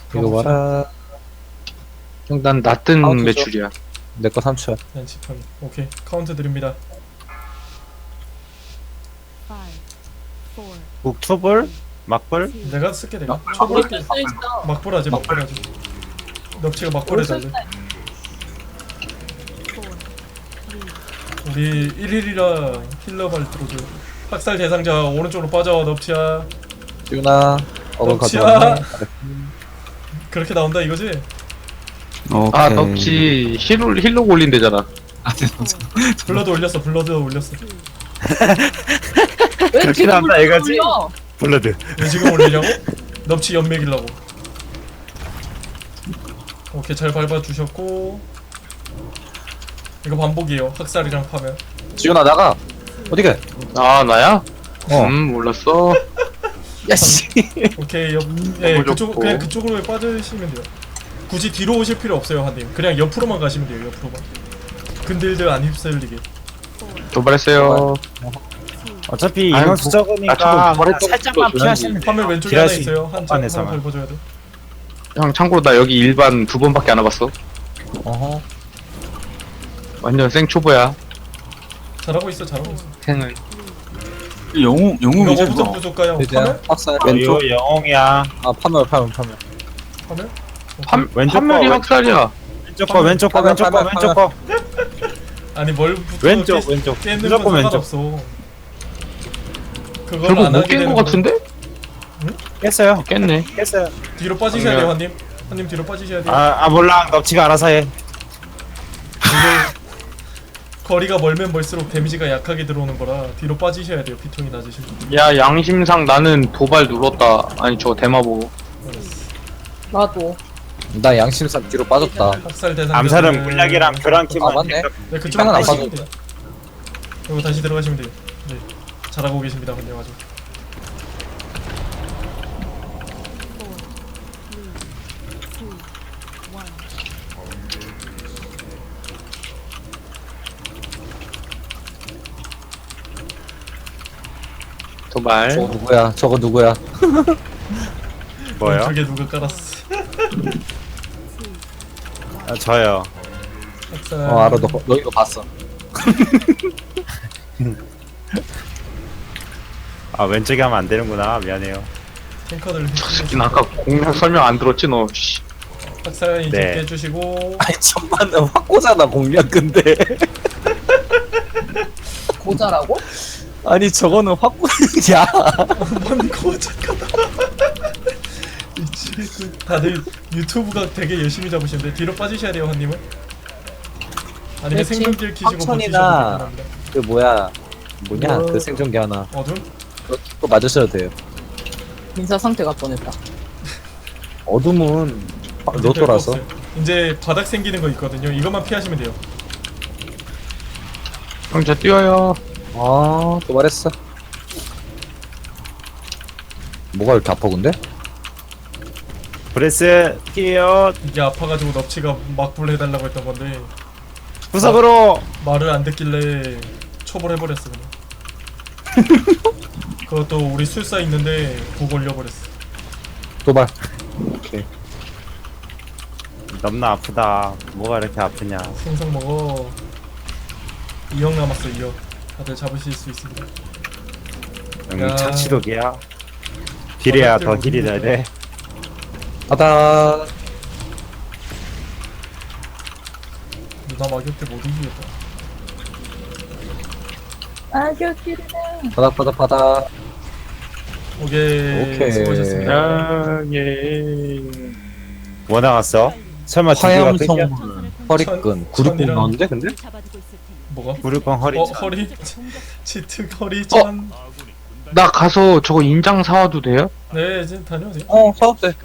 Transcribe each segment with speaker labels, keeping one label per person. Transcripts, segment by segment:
Speaker 1: 이거 봐라.
Speaker 2: 형, 난 낮은
Speaker 1: 카운트죠?
Speaker 2: 매출이야.
Speaker 1: 내 거 3초야.
Speaker 3: 난 지팡이. 오케이 카운트 드립니다.
Speaker 4: 북초벌? 막벌?
Speaker 3: 내가 쓸게 내가.
Speaker 5: 우리
Speaker 3: 초벌게.
Speaker 5: 쓸수 있어.
Speaker 3: 막벌하지 막벌하지. 넙치가 막벌 해달래. 우리 1일이라 힐러 발트로즈. 학살 대상자 오른쪽으로 빠져 넙치야.
Speaker 1: 듀나. 어글
Speaker 3: 넙치야.
Speaker 1: 가져왔네.
Speaker 3: 그렇게 나온다 이거지?
Speaker 2: 아, 넙치 힐로 올린대잖아.
Speaker 3: 블러드 올렸어 블러드 올렸어.
Speaker 5: 왜
Speaker 4: 그렇게
Speaker 5: 지금
Speaker 4: 나온다, 이거지?
Speaker 5: 올려?
Speaker 4: 블러드.
Speaker 3: 왜 지금 올리려고? 넙치 연맥이려고. 오케이 잘 밟아주셨고 이거 반복이에요. 학살이랑 파면.
Speaker 1: 지훈아 나가. 어디가?
Speaker 2: 아, 나야?
Speaker 1: 어.
Speaker 2: 몰랐어.
Speaker 1: 야씨.
Speaker 3: 오케이 예
Speaker 2: 너무
Speaker 3: 그쪽
Speaker 2: 좋고.
Speaker 3: 그냥 그쪽으로 빠지시면 돼요. 굳이 뒤로 오실 필요 없어요 한님. 그냥 옆으로만 가시면 돼요 옆으로만. 근들들 안 휩쓸리게.
Speaker 2: 도발했어요.
Speaker 4: 어차피
Speaker 2: 아이고,
Speaker 4: 인원수
Speaker 2: 나
Speaker 4: 적으니까
Speaker 2: 자꾸 버렸던
Speaker 4: 살짝만
Speaker 2: 것도
Speaker 4: 피하시면 돼.
Speaker 3: 화면 왼쪽에 하나
Speaker 4: 딜할 수
Speaker 3: 있어요. 한
Speaker 4: 안에서만.
Speaker 3: 밟아줘야 돼.
Speaker 2: 형, 참고로 나 여기 일반 2번밖에 안 와봤어.
Speaker 1: 어허.
Speaker 2: 완전 생초보야.
Speaker 3: 잘하고 있어 잘하고 있어.
Speaker 2: 생을.
Speaker 3: 이거
Speaker 4: 영웅이죠
Speaker 3: 뭐부터 부술까요?
Speaker 1: 이제
Speaker 3: 파멸?
Speaker 1: 학살
Speaker 4: 왼쪽
Speaker 1: 왼쪽.
Speaker 4: 영웅이야.
Speaker 1: 아 파멸.
Speaker 3: 파멸?
Speaker 4: 왼쪽
Speaker 2: 판멸이
Speaker 4: 거,
Speaker 2: 학살이야.
Speaker 4: 왼쪽 거 왼쪽 거
Speaker 1: 파멸,
Speaker 4: 왼쪽 거
Speaker 1: 파멸,
Speaker 4: 왼쪽 거
Speaker 3: 아니 뭘 붙어
Speaker 4: 왼쪽 왼쪽
Speaker 3: 깼는
Speaker 4: 무조건
Speaker 3: 건
Speaker 4: 왼쪽.
Speaker 3: 상관없어. 그걸
Speaker 2: 결국
Speaker 3: 안
Speaker 2: 못
Speaker 3: 하게
Speaker 2: 깬
Speaker 3: 되는
Speaker 2: 거 같은데?
Speaker 4: 깼어요.
Speaker 2: 깼네.
Speaker 4: 깼어요.
Speaker 3: 뒤로 빠지셔야
Speaker 2: 아니야.
Speaker 3: 돼요 한님. 한님 뒤로 빠지셔야 돼요.
Speaker 4: 아 몰라. 넙치가 알아서 해.
Speaker 3: 거리가 멀면 멀수록 데미지가 약하게 들어오는 거라 뒤로 빠지셔야 돼요. 피통이 낮으시면.
Speaker 2: 야, 양심상 나는 도발 눌렀다. 아니, 저 대마 보고.
Speaker 5: 나도.
Speaker 1: 나 양심상 뒤로 빠졌다.
Speaker 3: 학살 대상.
Speaker 4: 암살은 물약이랑 교란키만.
Speaker 1: 아, 맞네.
Speaker 3: 네 그쪽으로
Speaker 1: 상관 안
Speaker 3: 빠지시면
Speaker 1: 빠졌다.
Speaker 3: 돼요. 그리고 다시 들어가시면 돼요. 네 잘하고 계십니다 한님 아주.
Speaker 2: 도발.
Speaker 1: 저거 누구야? 저거 누구야?
Speaker 4: 뭐요?
Speaker 3: 저게 누가 깔았어?
Speaker 4: 아, 저요.
Speaker 3: 학살.
Speaker 1: 알아. 너 이거 봤어.
Speaker 4: 아 왼쪽에 하면 안 되는구나. 미안해요.
Speaker 3: 탱커들
Speaker 2: 나 아까 공략 설명 안 들었지, 너. 씨.
Speaker 3: 학살 이제
Speaker 4: 네.
Speaker 3: 깨주시고
Speaker 1: 아니 천만은 확고잖아 공략 근데.
Speaker 5: 고자라고?
Speaker 1: 아니 저거는 확고야.
Speaker 3: 뭔 거작하다. 미치겠군. 다들 유튜브가 되게 열심히 잡으시는데 뒤로 빠지셔야 돼요 한님은. 아니면
Speaker 1: 그렇지.
Speaker 3: 생존길 키시고
Speaker 1: 확천이나
Speaker 3: 버티셔도 됩니다.
Speaker 1: 그 뭐냐
Speaker 3: 뭐.
Speaker 1: 그 생존기 하나.
Speaker 3: 어둠?
Speaker 1: 그거 맞으셔도 돼요.
Speaker 5: 인사 상태가 뻔했다.
Speaker 1: 어둠은 로또라서.
Speaker 3: 없어요. 이제 바닥 생기는 거 있거든요. 이것만 피하시면 돼요.
Speaker 2: 형, 저 뛰어요.
Speaker 1: 아, 또 말했어. 뭐가 이렇게 아파 근데?
Speaker 4: 브레스 피해요.
Speaker 3: 이게 아파가지고 넙치가 막불 해달라고 했던 건데
Speaker 4: 구석으로.
Speaker 3: 말을 안 듣길래 초벌해버렸어 그냥. 그것도 우리 술사 있는데 보고 올려버렸어.
Speaker 1: 도발. 오케이.
Speaker 4: 너무나 아프다. 뭐가 이렇게 아프냐.
Speaker 3: 생선 먹어. 2억 남았어 2억. 다들 잡으실 수 있습니다. 야.
Speaker 4: 응, 착취독이야. 딜해야 더 딜이 돼야 돼.
Speaker 1: 바닥.
Speaker 3: 누나 막역대 못 이기겠다.
Speaker 5: 아저씨네.
Speaker 1: 바닥.
Speaker 3: 오케이. 수고하셨습니다.
Speaker 2: 야, 예.
Speaker 4: 뭐 나갔어? 설마 두 개가 뺏겨?
Speaker 1: 화염성 허리끈.
Speaker 3: 천-
Speaker 1: 960
Speaker 3: 천이랑-
Speaker 1: 나왔는데 근데?
Speaker 3: 뭐가?
Speaker 4: 무릎건 허리.
Speaker 3: 허리? 치트 허리 천.
Speaker 2: 나 가서 저거 인장 사와도 돼요?
Speaker 3: 네 이제 다녀오세요.
Speaker 1: 사업 돼.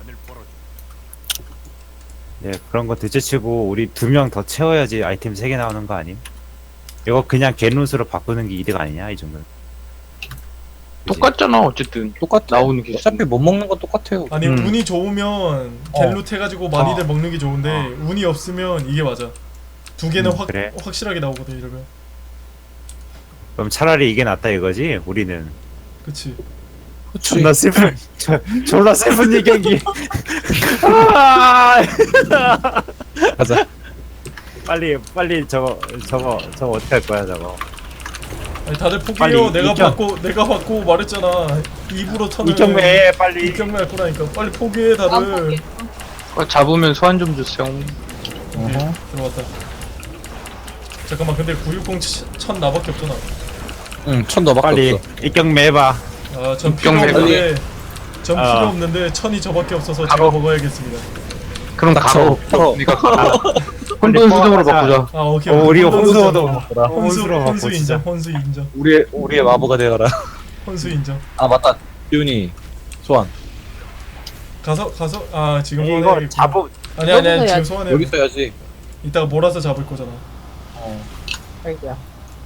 Speaker 4: 예, 그런 거 둘째치고 우리 2명 더 채워야지 아이템 3개 나오는 거 아님? 이거 그냥 겐루스로 바꾸는 게 이득 아니냐 이 정도는. 그치?
Speaker 2: 똑같잖아, 어쨌든.
Speaker 1: 똑같아.
Speaker 2: 나오는 게.
Speaker 1: 어차피 못 먹는 건 똑같아요.
Speaker 3: 아니 운이 좋으면 갤룻 해가지고 많이들 먹는 게 좋은데 운이 없으면 이게 맞아. 두 개는
Speaker 4: 그래.
Speaker 3: 확실하게 나오거든 이러면.
Speaker 4: 그럼 차라리 이게 낫다 이거지? 우리는
Speaker 3: 그치.
Speaker 4: 존나 슬픈 졸라 슬픈 얘기하기.
Speaker 1: 가자.
Speaker 4: 빨리 저거 어떻게 할 거야 저거.
Speaker 3: 아니 다들 포기해요.
Speaker 4: 빨리
Speaker 3: 내가 받고 말했잖아. 입으로 턴을
Speaker 4: 이경매 빨리.
Speaker 3: 이경매 할 거라니까. 빨리 포기해
Speaker 5: 안
Speaker 3: 다들.
Speaker 5: 포기.
Speaker 2: 잡으면 소환 좀 주세요.
Speaker 3: 오케이, 들어갔다. 잠깐만 근데 960 천 나밖에 없잖아.
Speaker 1: 응, 1000 너밖에
Speaker 4: 빨리
Speaker 1: 없어.
Speaker 4: 이경매 해봐.
Speaker 3: 전 필요
Speaker 2: 이경매
Speaker 3: 없는데 전 필요
Speaker 4: 아.
Speaker 3: 없는데 천이 저밖에 없어서
Speaker 2: 바로.
Speaker 3: 제가 먹어야겠습니다.
Speaker 2: 그럼 가로.
Speaker 1: 털어.
Speaker 2: 니가 가로. 혼돈 수정으로 바꾸자.
Speaker 3: 아 오케이.
Speaker 4: 우리
Speaker 3: 혼수
Speaker 4: 혼수도
Speaker 3: 혼수 인정. 혼수 인정.
Speaker 1: 우리의 마부가 되어라.
Speaker 3: 혼수 인정.
Speaker 1: 아, 맞다. 기훈이. 소환.
Speaker 3: 가서 아 지금
Speaker 4: 이거
Speaker 3: 소환해야겠구나.
Speaker 4: 잡음
Speaker 3: 아니
Speaker 5: 여기서
Speaker 3: 지금
Speaker 5: 해야지.
Speaker 3: 소환해.
Speaker 1: 여기 있어야지.
Speaker 3: 이따가 몰아서 잡을 거잖아.
Speaker 5: 아이고야.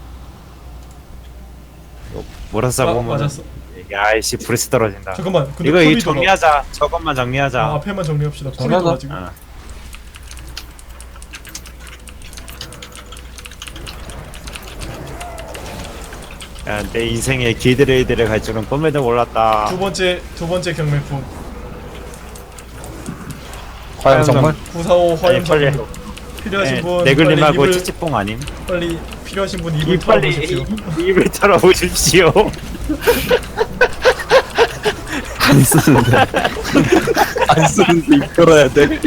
Speaker 4: 몰아서 잡으면.
Speaker 3: 맞았어.
Speaker 4: 야이씨 브레스 떨어진다.
Speaker 3: 잠깐만. 근데
Speaker 4: 이거
Speaker 3: 콜이
Speaker 4: 정리하자. 저것만 정리하자.
Speaker 3: 아, 앞에만 정리합시다. 콜이
Speaker 1: 정리하자.
Speaker 3: 돌아 지금.
Speaker 4: 아. 야, 내 인생에 기드레이드를 갈 줄은 꿈에도 몰랐다.
Speaker 3: 두 번째 경매품
Speaker 1: 과연 정말?
Speaker 3: 945 화염
Speaker 4: 아니, 빨리.
Speaker 3: 정리 필요하신 분
Speaker 4: 네글님하고
Speaker 3: 빨리 입을
Speaker 4: 찌찌뽕 아님?
Speaker 3: 빨리 필요하신 분 입을
Speaker 4: 이 빨리
Speaker 3: 털어보십시오.
Speaker 4: 입을 털어보십시오.
Speaker 1: 안 쓰는데. 안 쓰는데 입 털어야 돼.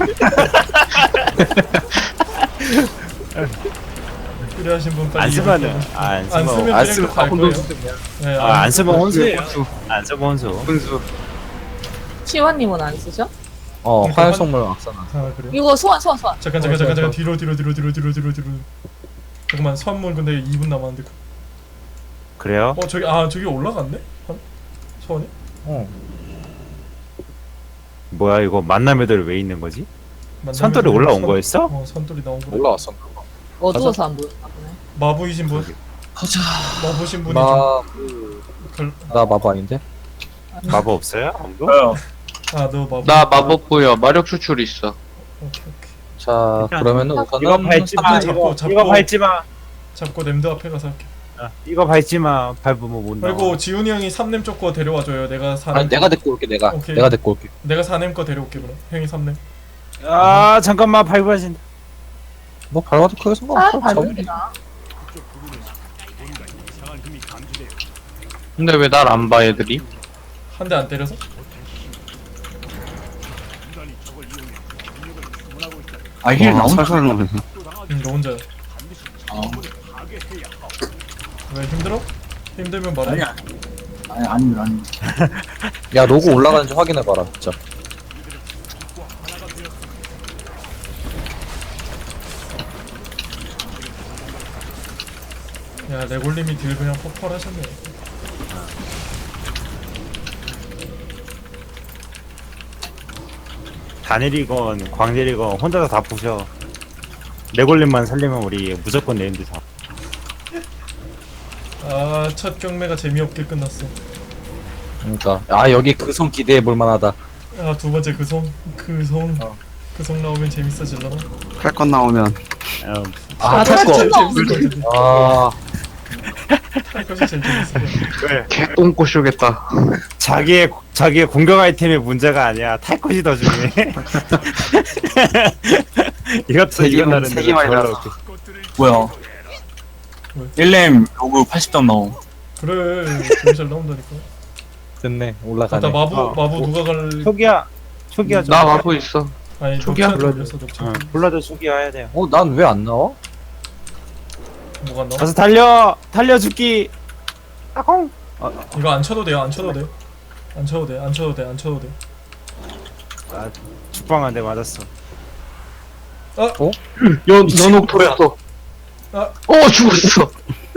Speaker 3: 필요하신 분 빨리
Speaker 4: 안
Speaker 3: 입을
Speaker 4: 쓰면은
Speaker 3: 털어보십시오.
Speaker 4: 안
Speaker 3: 안
Speaker 4: 쓰면
Speaker 3: 쓰면
Speaker 1: 안
Speaker 3: 그냥
Speaker 1: 쓰면
Speaker 3: 갈
Speaker 1: 혼돈
Speaker 3: 거예요.
Speaker 1: 수정이야.
Speaker 3: 네,
Speaker 4: 안 쓰면 혼수예요.
Speaker 2: 혼수.
Speaker 4: 안 쓰면 혼수.
Speaker 2: 혼수.
Speaker 5: 치환님은 안 쓰죠?
Speaker 1: 화염 성물 악사나.
Speaker 3: 아 그래요?
Speaker 5: 이거 소환.
Speaker 3: 잠깐 뒤로 잠깐만 선물 근데 2분 남았는데
Speaker 4: 그래요?
Speaker 3: 저기 올라갔네? 소원이?
Speaker 4: 뭐야 이거 만남 애들 왜 있는 거지?
Speaker 3: 만나면
Speaker 4: 선돌이 올라온 거였어?
Speaker 3: 선돌이 나온 거
Speaker 1: 올라왔어.
Speaker 5: 어두워서 안 보였나 보네.
Speaker 3: 마부이신 분?
Speaker 1: 가자.
Speaker 3: 마부신 분이
Speaker 1: 나 마부 아닌데?
Speaker 4: 마법 없어요? 아무도?
Speaker 3: 아너 마부
Speaker 2: 나 마법부여. 마력 추출 있어.
Speaker 3: 오케이
Speaker 1: 자, 그러면은
Speaker 4: 이거
Speaker 1: 우선은
Speaker 4: 밟지 마.
Speaker 3: 잡고,
Speaker 4: 이거 밟지 마.
Speaker 3: 잡고 냄드 앞에 가서 할게.
Speaker 4: 이거 밟지 마. 밟으면 못 나와.
Speaker 3: 그리고 지훈이 형이 3렘 쪽 거 데려와줘요. 내가 4렘
Speaker 1: 아니 내가 데리고 올게 내가.
Speaker 3: 오케이.
Speaker 1: 내가 데리고 올게.
Speaker 3: 내가 4렘 거 데려올게 그럼. 형이 3렘.
Speaker 4: 아 잠깐만 밟아진다.
Speaker 1: 뭐 밟아도 크게
Speaker 5: 아,
Speaker 1: 상관없어.
Speaker 5: 밟으면 되나?
Speaker 2: 근데 왜 날 안 봐 애들이?
Speaker 3: 한 대 안 때려서?
Speaker 6: 힐 나온 살살 나오네.
Speaker 3: 너 혼자야. 왜 힘들어? 힘들면 말해.
Speaker 6: 아니.
Speaker 1: 야 로고 올라가는지 확인해봐라 진짜.
Speaker 3: 야 레골님이 딜 그냥 폭발하셨네.
Speaker 4: 다내리건 광내리건 혼자서 다 부셔. 레골린만 살리면 우리 무조건 네임드 다.
Speaker 3: 첫 경매가 재미없게 끝났어.
Speaker 1: 그러니까 여기 그 손 기대해 볼 만하다.
Speaker 3: 두 번째 그 송 나오면 재밌어질라나?
Speaker 6: 칼건 나오면
Speaker 1: 탈 거.
Speaker 3: 제일 재밌을 것 같은데. 탈 것이 제일 재밌을 것 같은데.
Speaker 2: 개똥꼬 쇼겠다.
Speaker 4: 자기의 공격 아이템의 문제가 아니야. 탈 것이 더 중요해. 이것도 이건
Speaker 6: 세 개만
Speaker 4: 다른데.
Speaker 6: 해라. 뭐야? 1렘 로그 80점 나옴.
Speaker 3: 그래 되게 잘 나온다니까.
Speaker 1: 됐네 올라가네.
Speaker 3: 맞다 마부 누가 갈?
Speaker 4: 초기야 좀.
Speaker 2: 나 마법 있어.
Speaker 3: 아니
Speaker 2: 초기화
Speaker 3: 넉치한테 올렸어 넉치.
Speaker 4: 불러도 초기화 해야 돼요.
Speaker 1: 난 왜 안 나와?
Speaker 3: 뭐가 나와?
Speaker 4: 가서 달려 죽기. 아콩.
Speaker 3: 이거 안 쳐도 돼요. 안 쳐도 돼.
Speaker 4: 죽방한테 맞았어.
Speaker 2: 연옥 돌았어. 죽었어.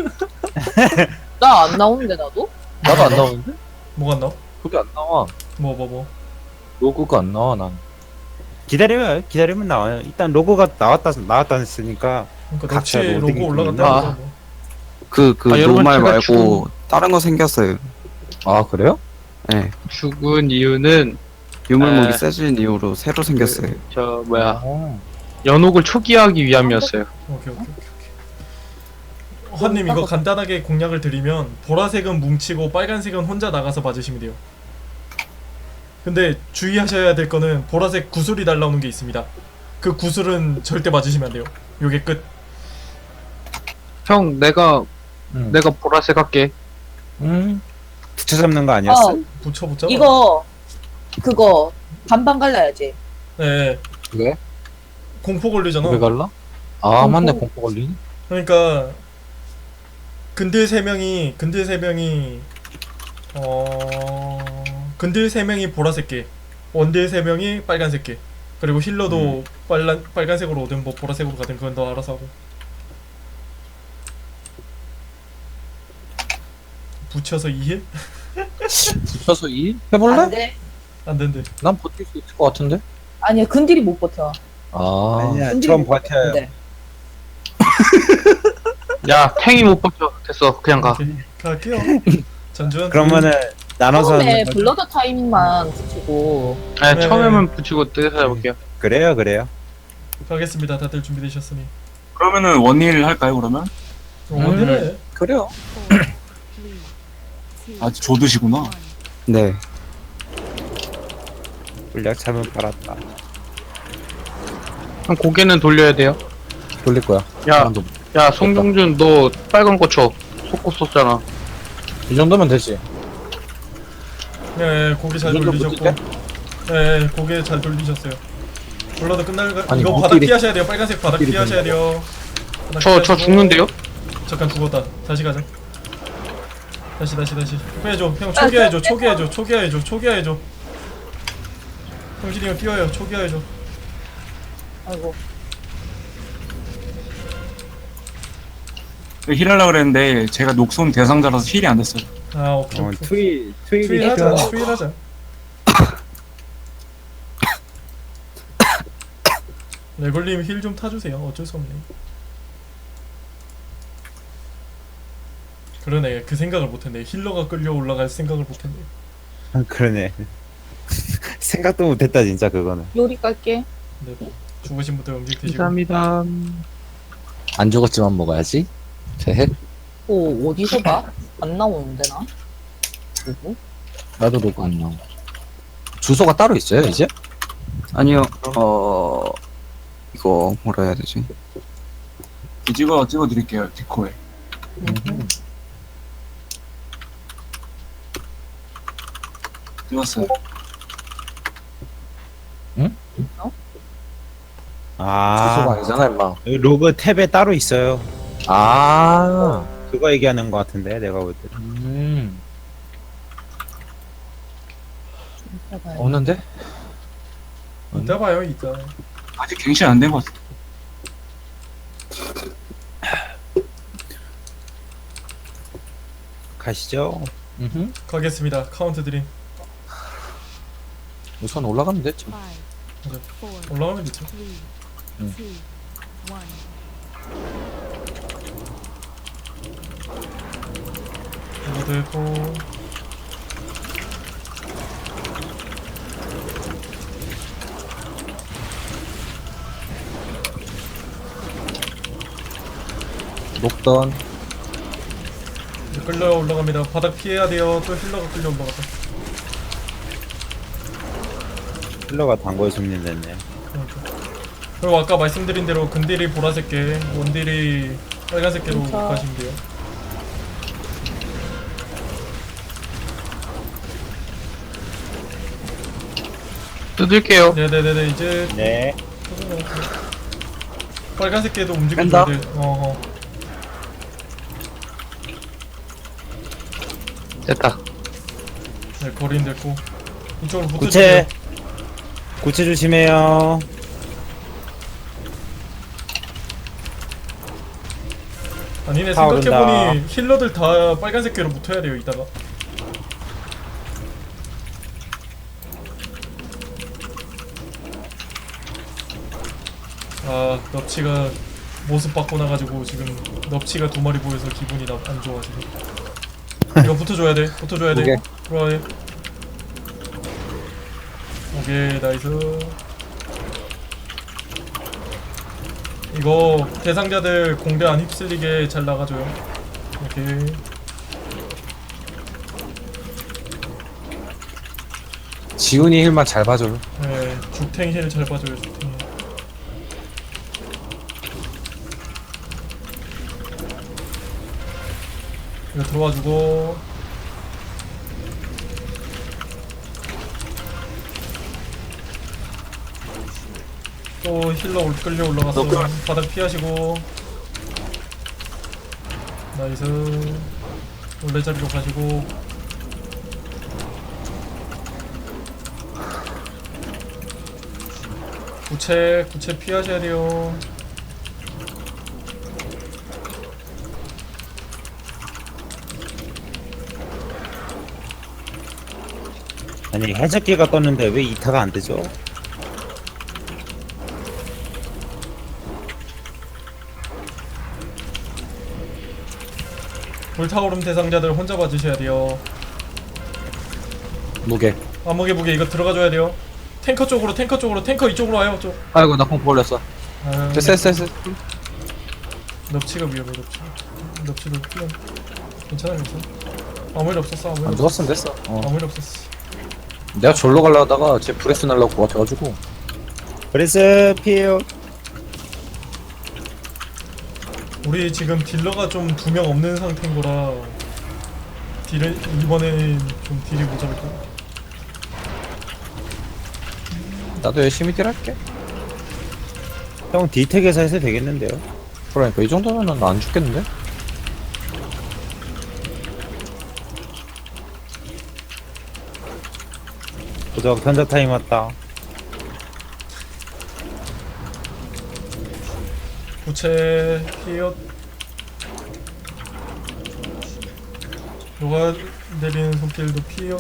Speaker 5: 나 안 나오는데 나도?
Speaker 1: 나도 안 나오는데?
Speaker 3: 뭐가 안 나와?
Speaker 1: 그게 안 나와.
Speaker 3: 뭐.
Speaker 1: 로고가 안 나와 난.
Speaker 4: 기다리면 나와요. 일단 로고가 나왔다 했으니까.
Speaker 3: 그러니까
Speaker 4: 각자
Speaker 3: 넉치
Speaker 4: 로딩이
Speaker 3: 로고 올라갔다.
Speaker 1: 있구나.
Speaker 3: 뭐.
Speaker 2: 여러분
Speaker 6: 노말
Speaker 2: 제가
Speaker 6: 말고 다른 거 생겼어요.
Speaker 1: 그래요?
Speaker 6: 네.
Speaker 2: 죽은 이유는
Speaker 6: 유물목이
Speaker 2: 에.
Speaker 6: 세진 이후로 새로 생겼어요.
Speaker 2: 연옥을 초기화하기 위함이었어요.
Speaker 3: 오케이. 환님 이거 간단하게 공략을 드리면 보라색은 뭉치고 빨간색은 혼자 나가서 맞으시면 돼요. 근데 주의하셔야 될 거는 보라색 구슬이 날라오는 게 있습니다. 그 구슬은 절대 맞으시면 안 돼요. 요게 끝.
Speaker 2: 형 내가
Speaker 1: 응.
Speaker 2: 내가 보라색 할게.
Speaker 4: 붙여 잡는 거 아니었어?
Speaker 3: 붙여보자.
Speaker 5: 이거 그거 반반 갈라야지.
Speaker 3: 네.
Speaker 1: 왜?
Speaker 3: 공포 걸리잖아.
Speaker 1: 왜 갈라? 아 맞네 공포 걸리니?
Speaker 3: 그러니까 근딜 세 명이 근딜 세 명이 보라색 개, 원딜 세 명이 빨간색 개, 그리고 힐러도 빨간색으로 오든 뭐 보라색으로 가든 그건 너 알아서 하고. 붙여서 2힐?
Speaker 1: 붙여서 2 해볼래?
Speaker 5: 안 돼.
Speaker 3: 안 된대.
Speaker 1: 난 버틸 수 있을 것 같은데?
Speaker 5: 아니야 근딜이 못 버텨.
Speaker 1: 아
Speaker 4: 아니야,
Speaker 5: 근딜이
Speaker 4: 전
Speaker 5: 못
Speaker 4: 버텨요.
Speaker 5: 버티는데.
Speaker 2: 야 탱이 못 버텨. 됐어 그냥 가.
Speaker 3: 오케이, 갈게요. 전주현.
Speaker 4: 그러면은 나눠서
Speaker 5: 처음에
Speaker 4: 하는 거죠?
Speaker 5: 블러드 타임만 붙이고.
Speaker 2: 아니
Speaker 3: 네.
Speaker 2: 처음에만 붙이고 뜯어서 해볼게요.
Speaker 4: 그래요.
Speaker 3: 가겠습니다. 다들 준비되셨으니.
Speaker 6: 그러면은 원일 할까요 그러면?
Speaker 3: 원딜에
Speaker 1: 그래요.
Speaker 6: 아 조드시구나. 네.
Speaker 4: 물약 잘못 빨았다.
Speaker 2: 형 고개는 돌려야 돼요.
Speaker 1: 돌릴 거야.
Speaker 2: 야,
Speaker 1: 사람도.
Speaker 2: 야 송종준 너 빨간 거 쳐. 속고 썼잖아.
Speaker 1: 이 정도면 되지.
Speaker 3: 네, 고개 잘
Speaker 1: 이 정도
Speaker 3: 돌리셨고.
Speaker 1: 못했대?
Speaker 3: 네, 고개 잘 돌리셨어요. 블러드
Speaker 1: 아니,
Speaker 3: 이거
Speaker 1: 못
Speaker 3: 바닥
Speaker 1: 딜이-
Speaker 3: 피하셔야 돼요. 빨간색 바닥
Speaker 1: 딜이
Speaker 3: 피하셔야 돼요. 바닥
Speaker 2: 저
Speaker 3: 피하시고.
Speaker 2: 죽는데요?
Speaker 3: 잠깐 죽었다. 다시 가자. 다시. 해줘. 형 초기화해줘. 초기화해줘. 형진이 형 뛰어요. 초기화해줘.
Speaker 5: 아이고.
Speaker 6: 힐하려고 그랬는데 제가 녹손 대상자라서 힐이 안 됐어요.
Speaker 3: 아, 오케이.
Speaker 4: 트윌이
Speaker 3: 트윈하자. 트윈하자. 레골님 힐 좀 타주세요. 어쩔 수 없네. 그러네. 그 생각을 못했네. 힐러가 끌려 올라갈 생각을 못했네.
Speaker 4: 그러네. 생각도 못했다 진짜 그거는.
Speaker 5: 요리 깔게.
Speaker 3: 네. 죽으신 분들 음식 드시고.
Speaker 2: 감사합니다.
Speaker 1: 안 죽었지만 먹어야지. 제
Speaker 5: 오 어디서 봐? 안 나오는데 나. 누구?
Speaker 1: 나도 로그 안 나와. 주소가 따로 있어요 이제?
Speaker 6: 아니요. 이거 뭐라 해야 되지? 찍어드릴게요 디코에. 찍었어요.
Speaker 1: 주소가
Speaker 4: 아
Speaker 1: 아니잖아 임마.
Speaker 4: 여기 로그 탭에 따로 있어요.
Speaker 1: 아.
Speaker 4: 그거 얘기하는 것 같은데 내가 볼 때.
Speaker 1: 없는데?
Speaker 3: 이따 봐요. 이따.
Speaker 6: 아직 갱신 안 된 것 같아.
Speaker 4: 가시죠.
Speaker 3: 가겠습니다. 카운트 드림.
Speaker 1: 우선 올라가면 됐지.
Speaker 3: 올라가면 되죠. 이거 되고.
Speaker 1: 녹던.
Speaker 3: 이제 끌려 올라갑니다. 바닥 피해야 돼요. 또 힐러가 끌려 올라갔다.
Speaker 4: 힐러가 단골 손님 됐네.
Speaker 3: 그러니까. 그리고 아까 말씀드린 대로 근딜이 보라색 개, 원딜이 빨간색 개로
Speaker 5: 진짜.
Speaker 3: 가시면 돼요.
Speaker 2: 뜯을게요.
Speaker 3: 네네네네. 이제
Speaker 4: 네.
Speaker 3: 빨간색 개도 움직여줘야
Speaker 1: 뺀다?
Speaker 3: 돼.
Speaker 2: 됐다.
Speaker 3: 네, 거리는 됐고. 이쪽으로 붙어주세요.
Speaker 4: 구체. 구체 조심해요.
Speaker 3: 아니네,
Speaker 4: 다 오른다.
Speaker 3: 생각해보니 힐러들 다 빨간색 개로 붙어야 돼요, 이따가. 아, 넙치가 모습 바꿔놔가지고 지금 넙치가 2마리 보여서 기분이 안 좋아 지금. 이거 붙어줘야 돼.
Speaker 1: 오케이.
Speaker 3: 들어와. 오케이, 나이스. 이거 대상자들 공대 안 휩쓸리게 잘 나가줘요. 오케이.
Speaker 1: 지훈이 힐만 잘 봐줘요.
Speaker 3: 네, 죽탱 힐 잘 봐줘요, 죽탱 힐. 이거 들어와주고. 또 힐러 끌려 올라가서 바닥 피하시고. 나이스. 원래 자리로 가시고. 구체 피하셔야 돼요.
Speaker 4: 아니 해적기가 떴는데 왜 2타가 안 되죠?
Speaker 3: 불타오름 대상자들 혼자 봐주셔야 돼요.
Speaker 1: 무게.
Speaker 3: 암흑의 이거 들어가줘야 돼요. 탱커 쪽으로 탱커 이쪽으로 와요. 쪽.
Speaker 1: 아이고 나 공포 올렸어.
Speaker 3: 아,
Speaker 1: 됐어.
Speaker 3: 넙치가 위험해. 넙치도 피해. 괜찮아. 아무 일 없었어. 아무 일
Speaker 1: 안
Speaker 3: 없었어.
Speaker 1: 죽었으면 됐어.
Speaker 3: 아무 일 없었어.
Speaker 1: 내가 절로 가려다가 쟤 브레스 날라고 것 같아가지고.
Speaker 4: 그래서 피해요.
Speaker 3: 우리 지금 딜러가 좀 2명 없는 상태인 거라 딜을 이번에는 좀 딜이 모자랄 거야.
Speaker 1: 나도 열심히 딜할게.
Speaker 4: 형 디텍에서 해서 되겠는데요?
Speaker 1: 그러니까 이 정도면은 안 죽겠는데?
Speaker 4: 도적 편자 타임 왔다.
Speaker 3: 부채 피엇 녹아 내리는 손길도 피엇.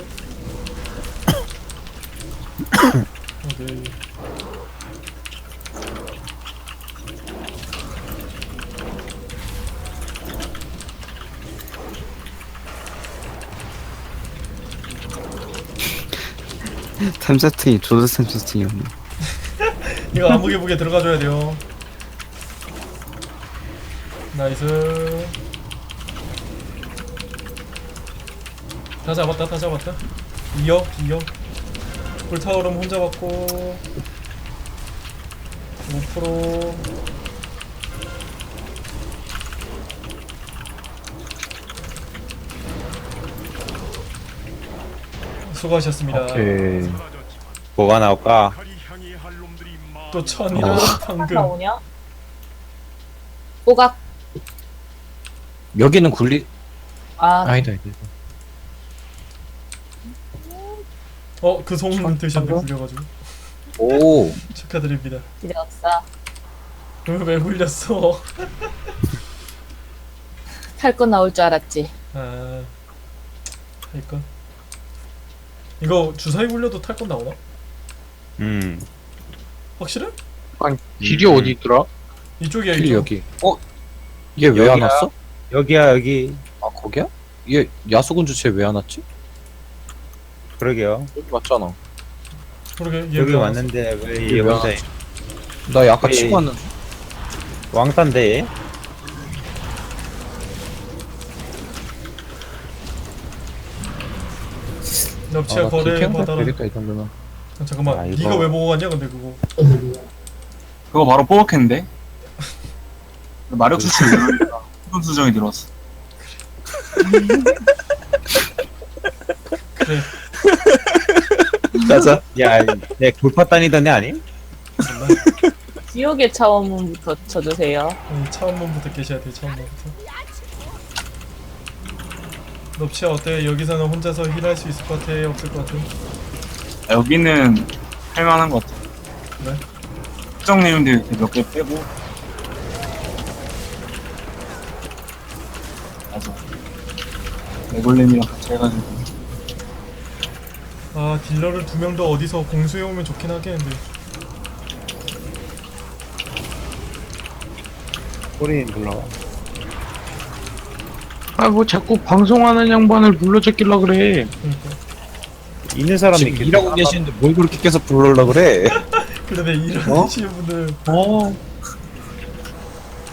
Speaker 3: 오케이.
Speaker 6: 템 세팅이 조드 템 세팅이었네.
Speaker 3: 이거 암흑의 들어가줘야 돼요. 나이스. 다 잡았다. 이어. 불타오름 혼자 받고 5%. 수고하셨습니다.
Speaker 1: 오케이.
Speaker 4: 뭐가 나올까?
Speaker 3: 또 천이랑 방금.
Speaker 5: 나오냐? 뽀각.
Speaker 1: 여기는 굴리.
Speaker 5: 아,
Speaker 1: 아니다.
Speaker 3: 그 소문 드셨네. 굴려가지고.
Speaker 1: 오.
Speaker 3: 축하드립니다.
Speaker 5: 필요 없어.
Speaker 3: 왜 굴렸어?
Speaker 5: 탈 건 나올 줄 알았지.
Speaker 3: 아, 그러니까 이거 주사위 굴려도 탈 건 나오나? 확실해?
Speaker 2: 아니 길이 어디 있더라?
Speaker 3: 이쪽이야
Speaker 1: 힐
Speaker 3: 이쪽.
Speaker 1: 여기. 얘 왜 안
Speaker 4: 여기야?
Speaker 1: 왔어?
Speaker 4: 여기야 여기.
Speaker 1: 아 거기야? 얘 야수군주 쟤 왜 안 왔지?
Speaker 4: 그러게요.
Speaker 1: 여기 왔잖아.
Speaker 3: 그러게 얘
Speaker 4: 여기
Speaker 3: 왜
Speaker 4: 왔는데 왜
Speaker 1: 얘
Speaker 4: 얘
Speaker 1: 왜
Speaker 4: 혼자
Speaker 1: 안 나 약간
Speaker 4: 왜-
Speaker 1: 치고 왔는데.
Speaker 4: 왕따인데 얘?
Speaker 3: 납치야 거래 받아라.
Speaker 1: 되겠다 이 정도면.
Speaker 3: 잠깐만,
Speaker 4: 아, 이거-
Speaker 3: 네가 왜 보고 갔냐 근데 그거.
Speaker 6: 그거 바로 뽑았겠는데? 마력 수치 늘으니까 수분 수정이 들어왔어.
Speaker 3: 그래.
Speaker 1: 가자.
Speaker 4: 야, 내 골파 다니던 애 아니?
Speaker 3: 몰라.
Speaker 5: 지옥의 차원문부터 쳐주세요.
Speaker 3: 차원문부터 계셔야 돼. 차원문부터. 납치야 어때? 여기서는 혼자서 힐할 수 있을 것 같아? 없을 것 같아?
Speaker 6: 여기는 할만한 것 같아.
Speaker 3: 그래?
Speaker 6: 특정 내용들 몇 개 빼고. 맞아. 레골렘이랑 같이 해가지고.
Speaker 3: 아, 딜러를 2명 더 어디서 공수해오면 좋긴 하겠는데.
Speaker 4: 꼬리는 불러와.
Speaker 2: 아 뭐 자꾸 방송하는 양반을 불러잡길라 그래.
Speaker 3: 그러니까.
Speaker 4: 있는 사람이
Speaker 1: 지금 일하고 계시는데 뭘 그렇게 계속 불러오려 그래?
Speaker 3: 그런데 일하시는 분들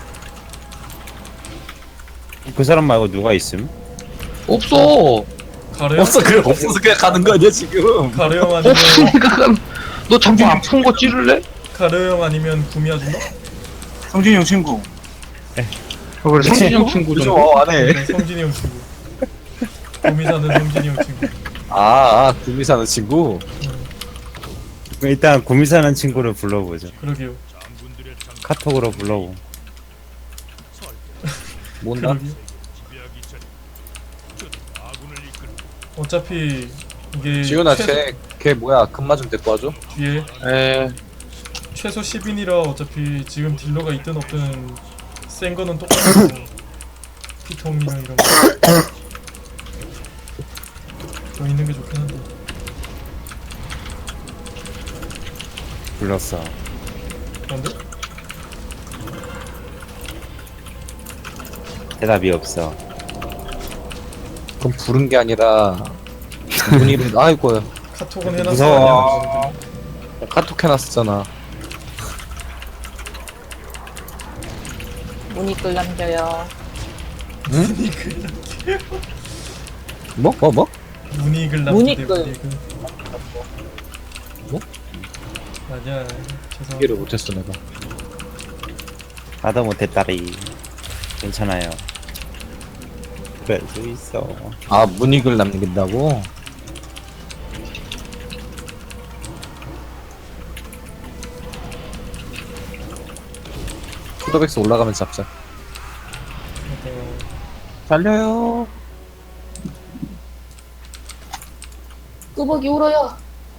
Speaker 4: 그 사람 말고 누가 있음?
Speaker 2: 없어.
Speaker 3: 가르형
Speaker 1: 없어 그래 없어서 그냥 가는 거 아니야 지금.
Speaker 3: 가르형 아니면
Speaker 2: 없으니까 너 자꾸 아픈 거 찌를래?
Speaker 3: 가르형 아니면 구미야 준다?
Speaker 7: 성진이 형 친구.
Speaker 2: 그래 성진이 형 친구
Speaker 1: 그죠
Speaker 2: 좀
Speaker 1: 안해.
Speaker 3: 네, 성진이 형 친구. 구미 사는 성진이 형 친구.
Speaker 1: 구미 사는 친구.
Speaker 4: 일단 구미 사는 친구를 불러보죠.
Speaker 3: 그러게요.
Speaker 4: 카톡으로 불러보.
Speaker 1: 뭔다?
Speaker 3: 그러게요. 어차피 이게
Speaker 1: 지훈아
Speaker 3: 최소-
Speaker 1: 걔 뭐야 금마 좀 데리고 와줘.
Speaker 3: 뒤에
Speaker 2: 에
Speaker 3: 최소 10인이라 어차피 지금 딜러가 있든 없든 센 거는 똑같고 피통이랑 이런 거 더 있는 게 좋긴 한데.
Speaker 4: 불렀어.
Speaker 3: 그런데?
Speaker 4: 대답이 없어.
Speaker 1: 그럼 부른 게 아니라 문의를 아이고
Speaker 3: 카톡은 해놨어.
Speaker 1: 무서워.
Speaker 3: 아니야?
Speaker 1: 카톡 해놨었잖아.
Speaker 5: 문의글 남겨요.
Speaker 1: 뭐?
Speaker 3: 문의글 남기대
Speaker 5: 문의글.
Speaker 3: 문의글.
Speaker 1: 뭐?
Speaker 3: 아니야.
Speaker 1: 이해를
Speaker 3: 죄송합니다.
Speaker 1: 못했어 내가.
Speaker 4: 나도 못했다리. 괜찮아요. 그럴 수 있어.
Speaker 1: 문익을 남긴다고? 코더백스 올라가면 잡자.
Speaker 3: 어,
Speaker 1: 달려요.
Speaker 5: 끄벅이 울어요.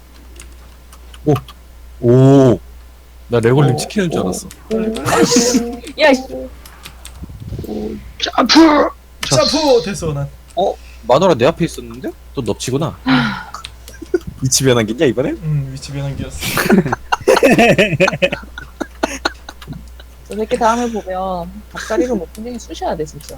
Speaker 1: 오. 나 레골님
Speaker 3: 오.
Speaker 1: 치키는 줄 알았어.
Speaker 5: 야, 이
Speaker 2: 점프
Speaker 3: 점프 됐어 난.
Speaker 1: 마누라 내 앞에 있었는데? 또 넙치구나. 위치 변환기냐 이번에?
Speaker 3: 위치 변환기였어.
Speaker 5: 저 새끼 다음에 보면 밥자리로 못 분쟁이 쑤셔야 돼 진짜.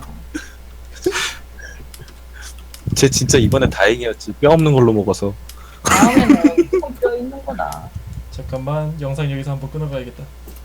Speaker 1: 쟤 진짜 이번에 다행이었지. 뼈 없는 걸로 먹어서.
Speaker 5: 다음에는 손뼈 있는 거다.
Speaker 3: 잠깐만 영상 여기서 한번 끊어가야겠다.